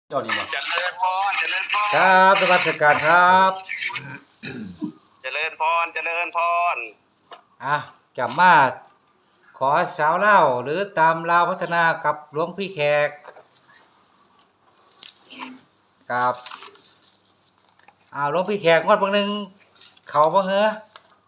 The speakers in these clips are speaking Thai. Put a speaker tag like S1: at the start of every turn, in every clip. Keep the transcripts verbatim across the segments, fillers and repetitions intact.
S1: เจ้านี่บ่
S2: เจริญพรเจริญพร
S1: ครับสวัสดิการครับ
S2: เจริญพรเจริญพร
S1: อ่ะจะมาขอสาวเล่าหรือตามลาวพัฒนากับหลวงพี่แขกกับอ้าวหลวงพี่แขกงวดบางหนึงเขาบ่เหรอง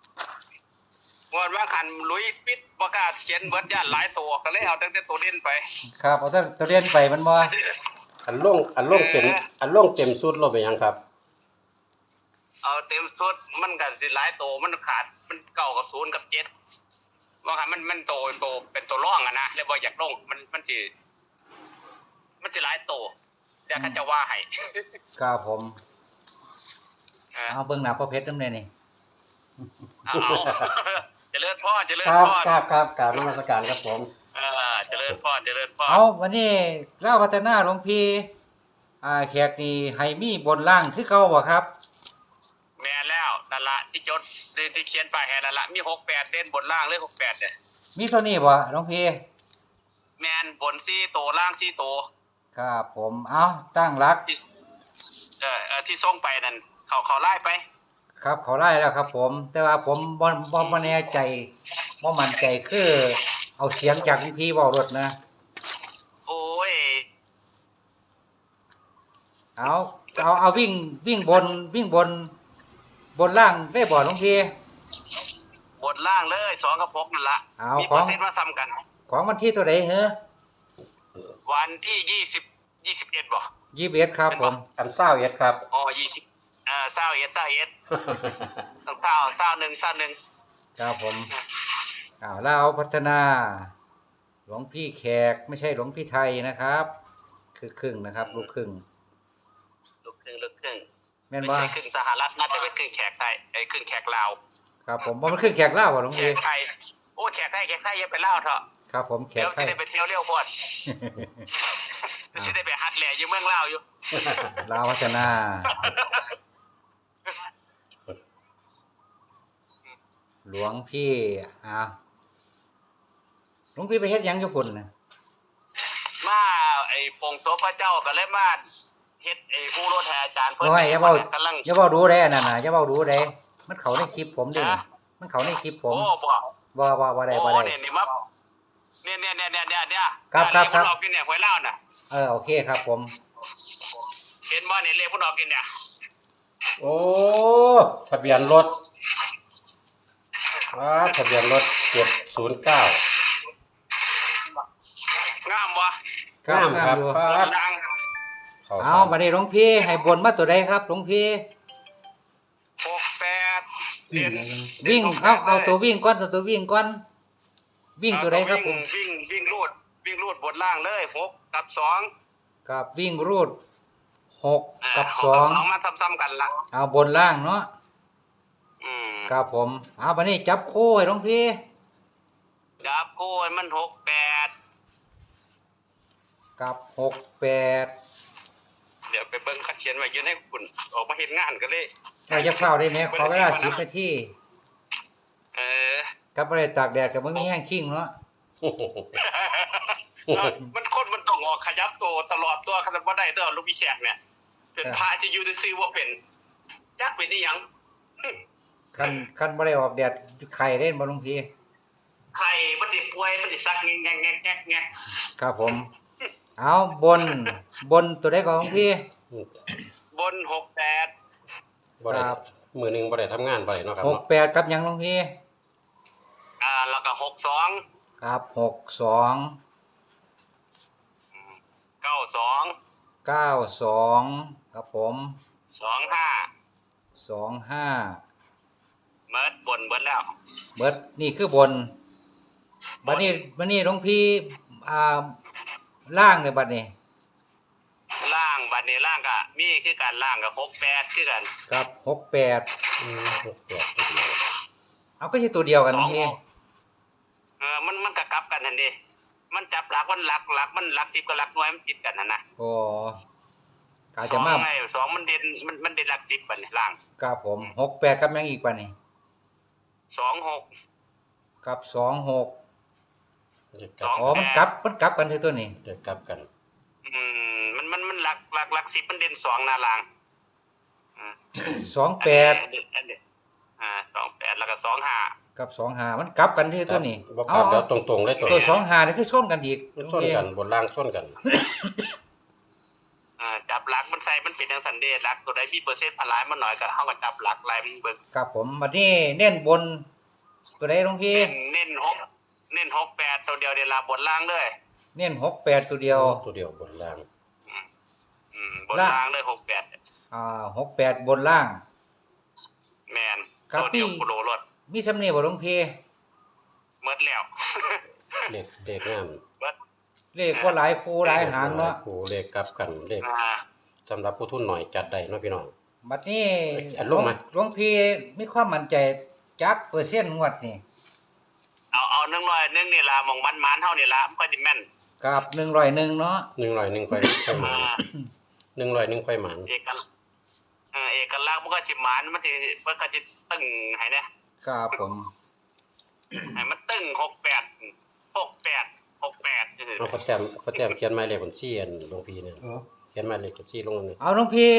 S2: วดว่าขันลุยปิดประกาศเขียนเบิดย่านหลายตัวก็เลยเอาตั้งแต่ตัวเด่นไป
S1: ครับเอาแต่ตัวเรียนไปมันบ่
S3: อันล่งอันล่งเต็ม
S2: เออ
S3: อันล่งเต็มสุดเราไปยังครับ
S2: เอาเต็มสุดมันก็สิหลายตัวมันขาดมันเก่ากับศูนย์กับเจ็ดว่าคันมันมันโตโตเป็นตัวร่องอะนะเลยบ่อยากลงมันมันสิมันสิหลายตัวเดี๋ยวเขาจะว่าให้
S1: ครับผม
S2: เออ
S1: เอาเบิ่งหน้าพ่อเพชรนำแน่นี่
S2: เอาเอา เจริญพรเจริญ
S3: ครับ
S2: พร
S3: ครับครับกรารนมัสการครับผม
S2: เออเจริญพรเจริญพร
S1: เอาวันนี้ลาวพัฒนาหลวงพี่อ่าแขกนี่ให้มีบนล่างคือเก่าบ่ครับ
S2: แม่นแล้วนั่นละที่จดที่ที่เขียนไปแค่นั่นละมีหกแปดเด่นบนล่างเลยหกแปดเนี่ย
S1: มีเท่านี้บ่หลวงพี่
S2: แมนบนซี่โตล่างซี่โต
S1: ครับผมเอาตั้งหลัก
S2: ที่เอ่อเอ่อที่ส่งไปนั่นเขาเขาไล่ไป
S1: ครับเขาไล่แล้วครับผม แต่ว่าผมบ่บ่บ่แน่ใจบ่มั่นใจคือเอาเสียงจากพี่เว้ารถนะ
S2: โอ้ย
S1: เอาเอาเอาวิ่งวิ่งบนวิ่งบน บนล่างได้บ่หลวงพี่
S2: บนล่างเลยสองกับหกนั่นละ
S1: เอา
S2: มี
S1: ข
S2: เป
S1: อ
S2: อง ร์เซ็นต์มาซ้ำกัน
S1: ของวันที่เท่าใดเหรอ
S2: วันที่ยี่สิบยี่สิบเอ็ดบ่
S1: ยี่สิบเอ็ดครับผม
S3: อันเศร้าเอ็ดครับ
S2: อ๋อยี่สิบเอ่อเศร้าเอ็ดเศร้าเอ็ดต้องเศร้าเศร้าหนึ่งเศร้าหนึ่ง
S1: ครับผมอ้าวลาวพัฒนา หลวงพี่แขกไม่ใช่หลวงพี่ไทยนะครับ คือครึ่งนะครับ ลูกครึ่ง
S2: ลูกครึ่งลูกครึ่ง
S1: แม่น
S2: ไม่
S1: บ่
S2: ใช่ครึ่งสหรัฐน่าจะเป็นครึ่งแขกไทยไอ้ยครึ่งแขกลาว
S1: ครับผมบ่มันครึ่งแขกลาวบ่หลวง
S2: แข
S1: พี่
S2: กไทยโอ้แขกไทยแขกไทยอย่าไปเล่าเถอะ
S1: ครับผมแข
S2: เดี๋ย
S1: ก
S2: ว
S1: ไท
S2: สิ
S1: ย
S2: ได้ไปเที่ยวเร็วพอดสิได้ไปฮัดแหล่อยู่เมืองลาวอยู่
S1: ลาวพัฒนา หลวงพี่อ่าหลวงพี่ไปเฮ็ดหยังอยู่พุ่นน่ะ
S2: มาไอ้ปงโซพระเจ้าก็เลยมาเฮ็ดไอ้ผู้รถแห่อาจารย์เพิ่น
S1: โอ้ยอย่าเว้า
S2: กำลัง
S1: อย่าเว้าดูได้อันนั่นน่ะอย่าเว้าดูได้มันเข้าในคลิปผมเด้มันเข้าในคลิปผม
S2: โอ้บ่
S1: บ่บ่บ่ได้
S2: โอ้
S1: บ่ได้
S2: เนี่ยนี่มาเนี่ยเนี่ยเนี่ยเนี่ยเนี่ยเนี่ย
S1: ครับครับครับ
S2: เลขพุ่นออกกินเนี่ยหวยเล่าวน่ะ
S1: เออโอเคครับผม
S2: เห็นบ่เนี่ยเลขพุ่นออกกินเนี่ย
S3: โอ้ทะเบียนรถว้าทะเบียนรถเจ็ดศูนย์เก้าง
S2: ามบ่
S1: ครับ
S3: งามครับ
S1: อยู่
S3: ครับ
S2: ดัง
S3: เขา
S1: เอาบัดนี้หลวงพี่ให้บนมาตัวใดครับหลวงพี่
S2: หกแปดเด่น
S1: วิ่งเอาเอาตัววิ่งก่อนเอาตัววิ่งก่อนวิ่งตัวใดครับผม
S2: วิ่งวิ่งวิ่งรูดวิ่งรูดบนล่างเลยหกกับสอง
S1: ครับวิ่งรูดหก
S2: อ่า
S1: กับ
S2: ห
S1: สอง
S2: สองมาซ้ำๆกันละ
S1: เอาบนล่างเนาะ
S2: อืม
S1: ครับผมเอาบัดนี้จับคู่ให้หลวงพี่
S2: จับคู่ให้มันหกแปด
S1: กับหกแปด
S2: เดี๋ยวไปเบิ่งคัดเขียนไว้อยืนให้คุณออกมาเห็นงานกันเลย
S1: ใครจะเข้าได้ไหมขอเวลาสิบนาที
S2: เออ
S1: กับบ่ได้ตากแดดกับบ่มีแห้งขิงเนาะ
S3: โอ้โห
S2: มันคนมันต้องออกขยับตัวตลอดตัวขนาดว่าได้ตัวลูกพี่แขกเนี่ย เป็นพระจะอยู่จะซื้อว่าเป็นยักษ์เป็นนี่ยัง
S1: คันคันบ่ได้ออกแดดไข่เล่นบ่หลวงพี่
S2: ใครมันติป่วยมันติซักแงกแงกแงกแงกแงก
S1: ครับผม เอาบนบนตัวใดก่อนหลวงพี่
S2: บนหกแปด
S3: บ่ได้
S1: ครับ
S3: มือหนึ่งบ่ได้ทำงานไปเนาะครับ
S1: หก
S3: เนาะ
S1: แปดกับหยังหลวงพี่
S2: อ่าแล้วก็หกสอง
S1: ครับหกสอง
S2: เก้าสอง
S1: เก้าสองครับผม
S2: สองห้า
S1: สองห้า
S2: เมิดบนเบิดแล้ว
S1: เบิดนี่คือบนบัดนี้บัดนี้หลวงพี่อ่าล่างเนี่ยบัดนี้
S2: ล่างบัดนี้ล่างก็มีคือการล่างกับหกแปดคือกัน
S1: ครับหกแปด
S3: อืมหกแปดตัวเดียว
S1: เอาก็ใช่ตัวเดียวกันหลวง
S2: สอ
S1: พี่
S2: งหก เออมันมันก็กลับกันทันทีมันจับหลักมันหลักหลักมันหลักสิบกับหลักหน่วยมันติดกันนะนะ
S1: โอ้กา
S2: ส
S1: จะ
S2: อง
S1: มา
S2: ไงสองมันเด่นมันมันเด่นหลักสิบบัดนี้ล่าง
S1: ครับผมหกแปดกับหยังอีกบัดนี้
S2: สองหก
S1: กับสองหก
S3: เด็กก
S2: ส
S3: ลั
S2: อบ ง
S1: อ๋อมันกลับมันกลับกันที่ตัวนี้
S3: เด็กกลับกัน
S2: อืมมันมันมันหลักหลักหลักสิบมันเด่นสองหน้าล่างอืม
S1: สองแปด
S2: อันนี้อันนี้อ่าสองแปดแล้วก็สองห้า
S1: กับสองห้ามันกลับกันที่ตัวนี้
S3: บ่กลับแล้วตรงๆเลยตัว
S1: ตัว
S3: นี้
S1: สองห้านี่คือชนกันอีก
S3: มันชนกันบนล่างชนกัน
S2: อ่าจับหลักมันใส่มันเป็นทางสันเดชหลักตัวใดมีเปอร์เซ็นต์พลายมันหน่อยก็เฮาก็จับหลักลายมันเบิ่ง
S1: ครับผมบัดนี้เน้นบน ตัวใดหลวงพี่
S2: เน้นเน้นหกเน้นหกแปดตัวเดียวเดี๋ยวลาบนล่างเลย
S1: เน้นหกแปดตัวเดียว
S3: ตัวเดียวบนล่าง
S2: อืมอืมบนล่างเลยหกแปด
S1: อ่าหกแปดบนล่าง
S2: แมน
S1: ครับ
S2: ตัวเดียว
S1: พี่
S2: กูโลรถ
S1: มีสำเนียงบ่หลวงพี่
S2: เมิดแล้ว
S3: เลขเลขงาม
S2: เมิด
S1: เลขว่าหลายคู่หลายหางเนาะ
S3: โอ้เลขกลับกันเลข
S2: อ่า
S3: สำหรับผู้ทุนหน่อยจัดได้เนาะพี่น้อง
S1: บัดนี้
S3: อัดลงไหม
S1: หลวงพี่มีความมั่นใจจักเปอร์เซ็นต์งวดนี่
S2: เอาเอาหนึ่งร้อยหนึ่งนี่ละหมองมันมันๆเท่านี่ละมันก็ดิแม่น
S1: กับหนึ่งร้อยหนึ่งเนาะ
S3: หนึ่งร้อยหนึ่งค่อยค่อยหมาน
S2: อ่า
S3: หนึ่งร้อยหนึ่งค่อยหมาน
S2: เอกลักษณ์เออเอกลักษณ์มันก็สิหมานมันสิมันก็สิตึงให้เนี่ย
S1: ครับผม
S2: ให้มันตึงหกแปดหกแปดหกแปดจังซี่
S3: เอาพระแจมพระแจมเขียนหมายเลขบัญชีอันหลวงพี่เนี่ย
S4: เออ
S3: เขียนหมายเลขบัญชีลงนั่น
S1: เอาหลวงพี่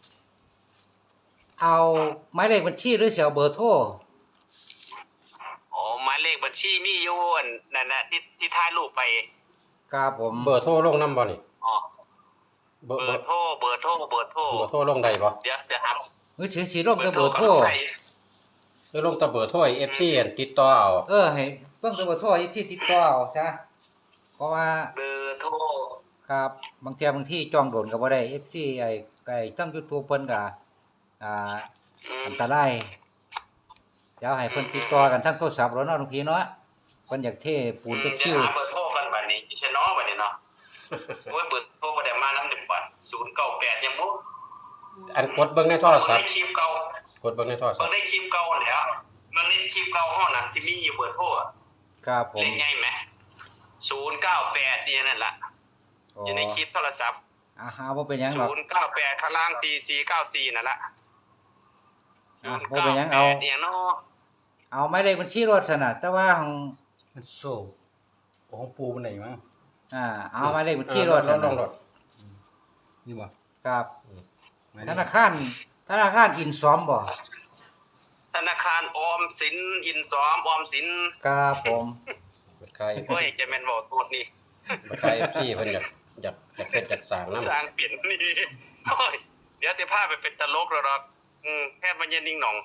S1: เอาหมายเลขบัญชีหรือสิเอาเบอร์โทร
S2: อ๋อหมายเลขบัญชีมีอยู่อันนั่นน่ะที่ที่ถ่ายรูปไป
S1: ครับผม
S3: เบอร์โทรลงนำบ่นี่
S2: อ๋อ
S3: เบอร์
S2: เบ
S3: เบ
S2: อ
S3: อร์
S2: ร์โทรเบอร์โทรเบอร์โทร
S3: เบอร์โทรลงได้บ่
S2: เดี๋ยวจะครับ
S1: หรือสิสิลงแต่เบอร์โทร
S2: ไป
S3: หรือลงแต่เบอร์โทรให้ เอฟ ซี อันติดต่อเอา
S1: เออให้เบิ่งแต่เบอร์โทรที่ติดต่อเอาซะเพราะว่า
S2: เบอร์โทร
S1: ครับบางเที่ยบางที่จองโดนก็บ่ได้ เอฟ ซี ไอ้ไอ้ตั้ง YouTube เพิ่นก็อ่า
S2: อืม
S1: อันตรายเดี๋ยวให้เพิ่นติดต่อกันทางโทรศัพท์แล้วเนาะหลวงพี่เนาะเพิ่นอยากเทปูน
S2: เดี๋
S1: ตะ
S2: ยว
S1: คิว
S2: หาเบอร์โทรกันบัดนี้ดิฉันเนาะบัดนี้เนาะโอ้ยเบอร์โทรบ่ได้มานำเด้อบัดศูนย์เก้าแปดยังบ่
S3: อันกดเบิ่งในโทรศัพ
S2: ได้
S3: ท์
S2: คลิปเก่าก
S3: ดเบิ่งในโทรศั
S2: เบิ่
S3: พ
S2: ง
S3: ท์
S2: ได้คลิปเก่าแล้ว มันเล่นคลิปเก่าเฮาน่ะที่มีอยู่เบอร์โทรอะ
S1: ครับผม
S2: เล่นง่ายไหมศูนย์เก้าแปดนี่นั่นล่ะ
S1: อ๋อ
S2: อยู่ในคลิปโทรศัพท์
S1: อ่าหาบ่เป็นหยังหรอก
S2: ศูนย์เก้าแปดข้างล่างสี่สี่เก้าสี่นั่นล่ะ
S1: อ่ะบ่เป็นหยังเอา
S2: ศูนย์ก้แปดเนี่ยเนาะ
S1: เอาหมายเลขบัญชีรถซั่นน่ะแต่ว่าของ
S4: มันโซ่ของปูมันไหนมั้ง
S1: อ่าเอาหมายเลขบัญชีรถ
S3: ล
S1: ซั่
S3: ง
S1: น
S3: ล
S1: น่ะ
S3: งรถ
S4: นี่บ่
S1: ครับ
S4: ไม่
S1: ธ
S4: ได้
S1: นาคารธนาคารอินซอมบ่
S2: ธนาคารออมสินอินซอมออมสิน
S1: ครับผม
S3: บัตรขาย
S2: เฮ้ยจะแม่นบ่โทษนี่
S3: บัตรขาย เอฟ ซี เพิ่นอยากอยากอยากเฮ็ดอยากสร้างนำ
S2: สร้างเปลี่ยนนี่โอ้ยเดี๋ยวสิพาไปเป็นตลกแล้วดอกอืมแค่มันเย็นนิ่งหนอง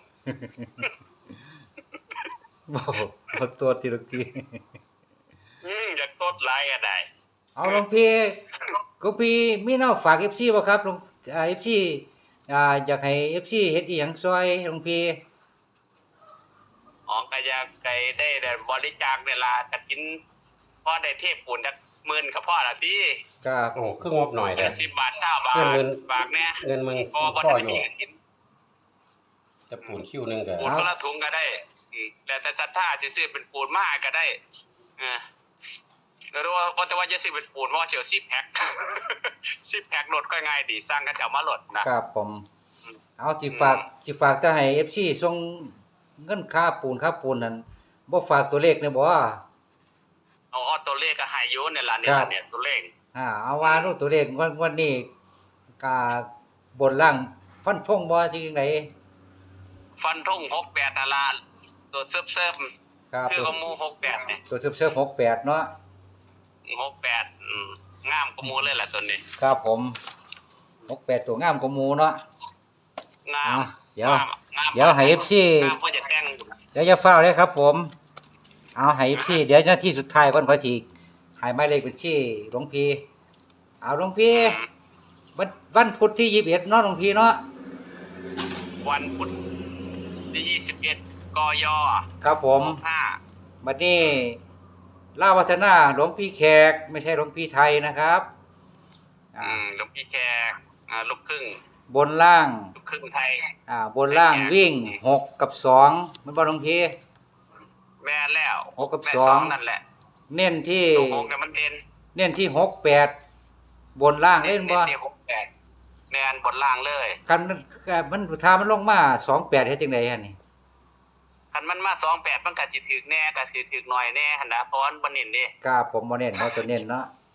S1: บ่บ่ตัวทีละที
S2: อืมอยากตดหลายก็ได้
S1: เอาหลวงพี่ก็พี่มีแนวฝาก เอฟ ซี บ่ครับหลวงอ่า เอฟ ซี อ่าอยากให้ เอฟ ซี เฮ็ดอีหยังซอยหลวงพี่
S2: อ๋อก็อยากไกได้แต่บริจาคเวลากฐินพอได้เทพปูนจักหมื่นก็พอละติ
S1: ครับ
S3: โอ้คืองบหน่อย
S2: คน
S3: เด้อ
S2: ละสิบบาทเก้าบาท
S3: เงิน
S2: ฝากแน่
S3: เงินมึง
S2: พอบ่
S3: พ่อ
S2: ได้
S3: อยู่
S2: มีกฐิน
S3: จะปูนคิวหนึงก็
S2: ปูนคนละถุงก็ได้อืมแล้วแต่ศรัทธาสิซื้อเป็นปูนมาก็ได้เออแล้วรู้ว่าว่าแต่ว่าจะซื้อเป็นปูนเพราะว่าเสียวสิบแพ็ค สิบแพ็ครถก็ง่ายดีสร้างกันแถวมาลดนะครับ
S1: ผม เอาสิฝากสิฝากแต่ให้ เอฟ ซี ส่งเงินค่าปูนค่าปูนนั่นบ่ฝากตัวเลขเนี่ยบ่
S2: เอาเอาตัวเลขก็ให้อยู่เนี่ยล่ะเนี่ย
S1: ครั
S2: ล่ะ
S1: บ
S2: เนี่ยตัวเลข
S1: อ่าเอาว่ารู้ตัวเลขงวดงวดนี้กาบนล่างฟันธงบ่จริงได
S2: ฟันธงหกแปดนั่นล่ะตัวเซิร์ฟ
S1: ครับ
S2: ๆคือ
S1: ตัว
S2: ก็หมู่หกแปดเนี่ย
S1: ตัวเซิร์ฟๆหกแปดเนาะ
S2: หกแปดอืมงามกว่าหมู่เลยล่ะตัวนี้
S1: ครับผมหกแปดตัวงามกว่าหมู่เนาะ
S2: งา
S1: อ่ะ
S2: ม
S1: เดี๋ยว
S2: งามงาม
S1: เดี๋ยวให้ เอฟ ซี
S2: งามเพื่อจะแต่ง
S1: เดี๋ยวจะเฝ้าเลยครับผม เอาให้พี่เดี๋ยวหน้าที่สุดท้ายก่อนขอฉีกให้หมายเลขบัญชีหลวงพี่ เอาหลวงพี่
S2: อืม
S1: วันวันพุธที่ยี่สิบเอ็ดเนาะหลวงพี่เนาะ
S2: วันพุธที่ยี่สิบเอ็ดกย
S1: ครับผม
S2: ห้า
S1: บัดนี้ล่าวัฒนาหลวงพี่แขกไม่ใช่หลวงพี่ไทยนะครับ
S2: อื
S1: อ่าม
S2: หลวงพี่แขกอ่าลูกครึ่ง
S1: บนล่าง
S2: ลูกครึ่งไทย
S1: อ่าบนล่างวิ่งหกกับสองมันบ่หลวงพี่
S2: แม่แล้ว
S1: หกกับ
S2: แม่
S1: สอง
S2: นั่นแหละ
S1: เน้นที่
S2: ตัวหกเนี่ยมันเด่น
S1: เน้นที่หกแปดบนล่างเล่นบ่
S2: ที่หกแปดแนนบนล่างเลย
S1: คันมันมันทามันลงมาสองแปดเฮ็ดจังได๋ฮะนี่
S2: คันมันมาสองแปดมันก็สิถึกแน่ก็สิถึกหน่อยแน่หั่นนะเพราะว่ามันบ่เน้นเด้
S1: กล้าผมบ่เน้นเนาะตัวเน้นเนาะ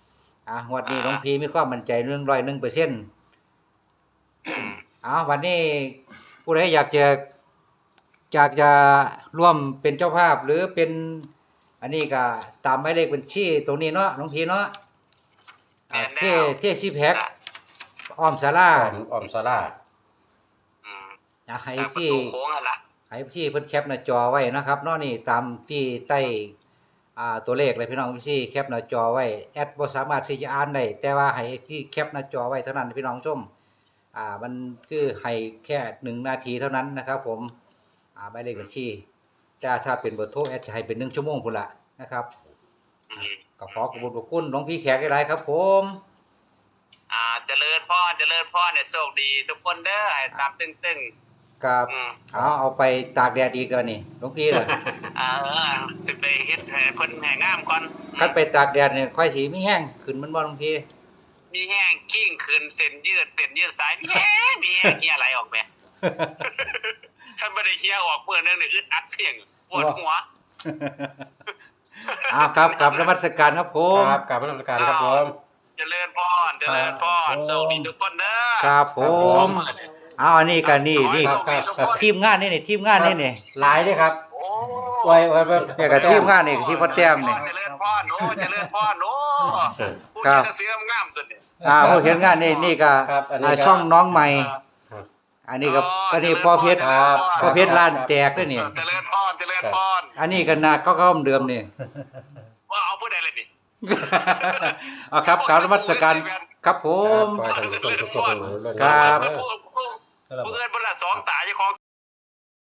S1: อ่ะงวดนี้หลวงพี่มีความมั่นใจหนึ่งร้อยหนึ่งเปอร์เซ็นต์เอาวันนี้ผู้ใดอยากจะอยากจะร่วมเป็นเจ้าภาพหรือเป็น อันนี้ก็ตามหมายเลขบัญชีตรงนี้เนาะหลวงพี่เนาะอ่าเทเทซีแพ็คอ้อมศาลา
S3: ออมออมสารา
S2: อืม
S1: อ่ะให้
S2: ทางประ
S1: ที่
S2: ตูโค้งหั่นล่ะ
S1: ให้ที่เพิ่นแคปหน้าจอไว้นะครับเนาะนี่ตามที่ใต้อ่าตัวเลขเลยพี่น้องพี่แคปหน้าจอไว้แอดบ่สามารถที่จะอ่านได้แต่ว่าให้ที่แคปหน้าจอไว้เท่านั้นพี่น้องชมอ่ามันคือให้แค่หนึ่งนาทีเท่านั้นนะครับ ผมอ่าหมายเลขบัญชีแต่ถ้าเป็นเบอร์โทรแอดจะให้เป็นหนึ่งชั่วโมงพุ่นละนะครับ
S2: อืม
S1: ก็ขอขอบคุณขอบคุณหลวงพี่แขกหลายๆครับ ผม
S2: อ่าเจริญพรเจริญพรเนี่ยโชคดีทุกคนเด้อให้ตามตึง
S1: กับ
S2: ๆอืม
S1: เอาเอาไปตากแดดอีกแล้วนี่หลวงพี่ล่ะ
S2: อ่าเออสิไปเฮ็ดให้เพิ่นให้งามก่อน
S1: คันไปตากแดดเนี่ยค่อยสิมีแห้งขึ้นมันบ่หลวงพี่
S2: มีแห้งกิ้งขึ้นเส้นยืดเส้นยืดสายมีแห้งมีแห้งเฮียไหลออกแหมถ้าบ่ได้เฮียออกเมื่อนึงนี่อึดอัดเพียงปวดหัว
S1: เอาครับกลับนมัสการครับผม
S3: ครับกราบนมัสการครับผม
S2: เจริญพรเจริญพรโชคดีทุกคนเด้อ
S1: ครับผมเอาอันนี้กันนี่นี่
S2: ขอให้โชคดีทุกคน
S1: ทีมงานนี่นี่ทีมงานนี่นี่
S3: หลายเด้อครับ
S2: โอ้
S3: ไว้ไว้ไว้
S1: เนี่ยกับทีมงานนี่ที่พ่อแต้มนี่
S2: เจริญพรโอ้เจริญพรโอ้ผู้
S1: ครั
S2: ชื่
S1: บ
S2: อเสียงงามตัวนี้
S1: อ่าผู้เขียนงานนี่นี่ก็
S3: ครับอันนี้
S1: อ่า
S3: ก็
S1: ช่องน้องใหม่
S3: ครับ
S1: อันนี้ก็อันนี้พ่อเพชร
S3: ครับ
S1: พ่อเพชรล้านแตกด้วยนี่
S2: เจริญพรเจริญพร
S1: อันนี้ก็นาก็ก็เดิมนี่
S2: ว่าเอาผู้ใดเลยนี่
S1: เอาครับกราบนมัสการครับผม
S3: ขอให้ท่านผู้ชมทุกคนเรื่อง
S1: ครับ
S2: ผู้ผู้ผู้เอื้อนบนละสองตาเจ้าของ